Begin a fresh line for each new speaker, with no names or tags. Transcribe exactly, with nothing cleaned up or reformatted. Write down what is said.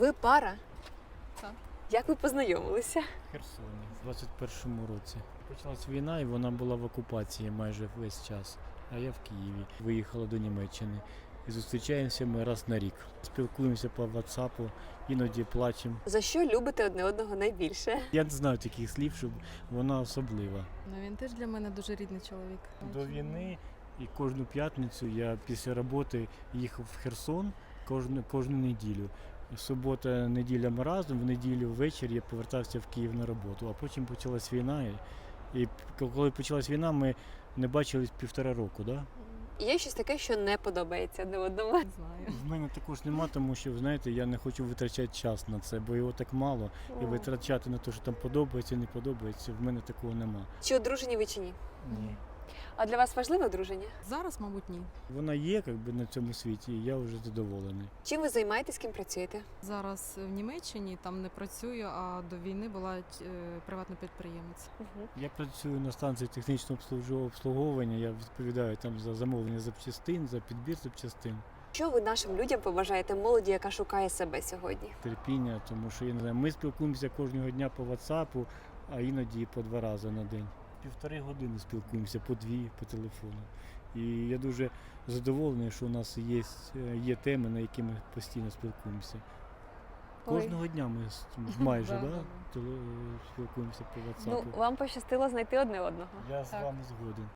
Ви пара?
Так.
Як ви познайомилися?
В Херсоні в двадцять першому році. Почалась війна і вона була в окупації майже весь час. А я в Києві. Виїхала до Німеччини. І зустрічаємося ми раз на рік. Спілкуємося по ватсапу, іноді плачемо.
За що любите одне одного найбільше?
Я не знаю таких слів, щоб вона особлива.
Ну він теж для мене дуже рідний чоловік.
До війни і кожну п'ятницю я після роботи їхав в Херсон кожну, кожну неділю. Субота, неділя ми разом, в неділю ввечері я повертався в Київ на роботу, а потім почалась війна. І, і коли почалась війна, ми не бачились півтора року. Да?
Є щось таке, що не подобається одне одному?
Не знаю.
В мене також нема, тому що, знаєте, я не хочу витрачати час на це, бо його так мало. І витрачати на те, що там подобається, не подобається, в мене такого нема.
Чи одружені ви чи ні?
Ні.
А для вас важливе одруження?
Зараз, мабуть, ні.
Вона є як би, на цьому світі, і я вже задоволений.
Чим ви займаєтесь, ким працюєте?
Зараз в Німеччині там не працюю, а до війни була е, приватний підприємець.
Я працюю на станції технічного обслугову- обслуговування, я відповідаю там за замовлення запчастин, за підбір запчастин,
Що ви нашим людям побажаєте молоді, яка шукає себе сьогодні?
терпіння, тому що я не знаю, ми спілкуємося кожного дня по WhatsApp, а іноді по два рази на день. Півтори години спілкуємося, по дві по телефону. І я дуже задоволений, що у нас є, є теми, на які ми постійно спілкуємося.
Ой.
Кожного дня ми с- майже
Да,
да,
да, да.
теле- спілкуємося по
Ну,
WhatsApp.
вам пощастило знайти одне одного.
Я з
Так.
вами згоден.